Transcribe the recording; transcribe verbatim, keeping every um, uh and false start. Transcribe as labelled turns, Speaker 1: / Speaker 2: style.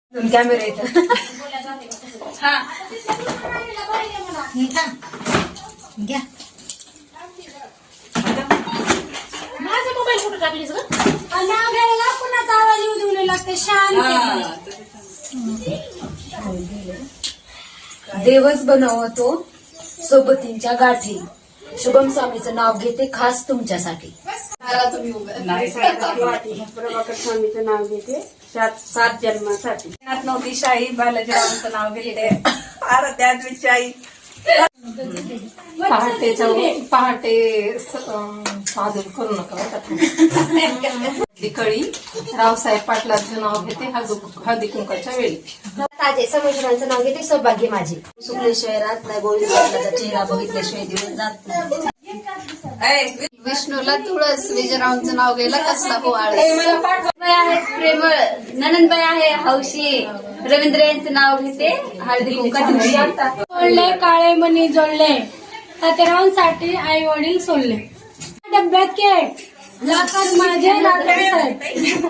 Speaker 1: Camera येतं.
Speaker 2: हा
Speaker 1: घ्या
Speaker 2: माझा मोबाईल कुठे टाकलीस ग?
Speaker 3: नाव घ्यायला कुणाचा आवाज येऊ देऊ नये लागते शांत.
Speaker 1: देवच बनवतो सोबतींच्या गाठी. शुभम स्वामीचं नाव घेते खास तुमच्यासाठी.
Speaker 3: प्रभाकर स्वामीचं नाव घेते सात सात जन्मासाठी.
Speaker 2: नव्हती शाही बालाजीरावांचं नाव घेते. आराध्यात शाही
Speaker 4: पहाटेच्या पहाटे साधून करू नका. कळी रावसाहेब पाटलांचं नाव घेते हळदी कुंकाच्या वेळी.
Speaker 1: ताजे समुद्रांचं नाव घेते सौभाग्य माझे. सुकल्याशिवाय राहत नाही. गोविंद पाटलाचा चेहरा बघितल्याशिवाय दिवस जात नाही.
Speaker 4: विष्णूला तुळस विजयरावांचं नाव घ्यायला कसला हो आळ.
Speaker 5: आहेत प्रेमळ ननंदबाई आहे हौशी. रवींद्र यांचं नाव घेते हळदी कुंकाच्या दिवशी.
Speaker 3: जोडले काळे मणी जोडले तातेरावांसाठी आई वडील सोडले. डब्यात केक लाखात माझे रात्री